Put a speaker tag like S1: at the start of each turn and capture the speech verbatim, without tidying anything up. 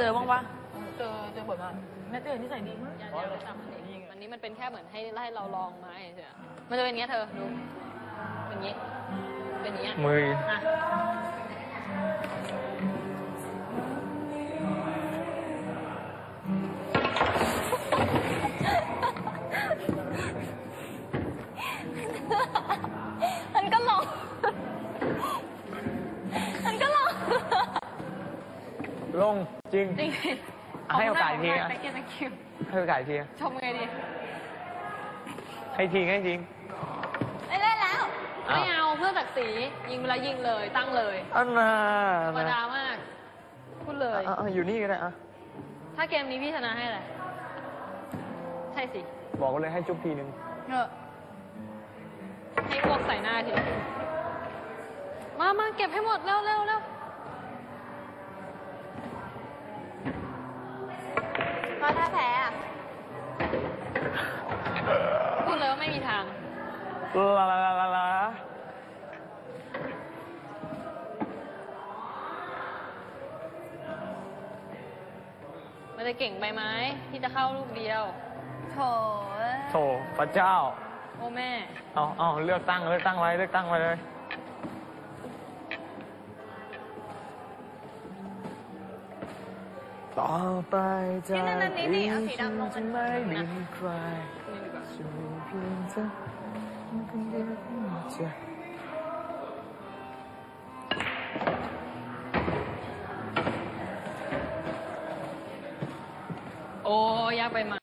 S1: อบ้างปะ
S2: เจอเจอบ่อยมากแม่เจอที่ใส่ดีมาก
S3: อย่าอย่าไปจับมันดิวันนี้มันเป็นแค่เหมือนให้ให้เราลองไม้เฉยๆมันจะเป็นอย่างเงี้ยเธอดูเป็นอย่างงี้เป็นอย่างเงี้ย
S4: มือ
S3: อ่ะมันก็ลองมันก็ลอง
S4: ลงจริง
S3: จริง
S4: ให้โอกาสอีกที
S3: นะ
S4: อะ
S3: ตะเกียบตะคิว
S4: ให้โอกาสอีกที
S3: ชมไงดี
S4: ให้ทีให้จริง
S3: ไม่เล่นแล้ว
S4: อ้าว
S3: ไม่เอาเพื่อศักดิ์ศรียิงเวลายิงเลยตั้งเลย
S4: อันน่ะ
S3: ธรรมดามากพูดเลย
S4: อ่ะอ่ะอยู่นี่ก็ได้อ่ะ
S3: ถ้าเกมนี้พี่ชนะให้อะไรใช่สิ
S4: บอกเลยให้จุ๊บทีนึง
S3: เออให้พวกใส่หน้าทีมามาเก็บให้หมดเร็วเร็วเร็วมาถ้าแพ้อะพูดเลยว่าไม่มีทาง
S4: ลาลาลาลาลา
S3: มันจะเก่งไปไหมที่จะเข้าลูกเดียวโถ
S4: โถพระเจ้า
S3: โอ้แม่
S4: เอาเอาเลือกตั้งเลือกตั้งไว้เลือกตั้งไว้เลย ต่อไปจากนี้ฉันจะไม่มีใครจะมีเพียงเธอคนเดียวใจ
S3: โอ้ยากไปไหม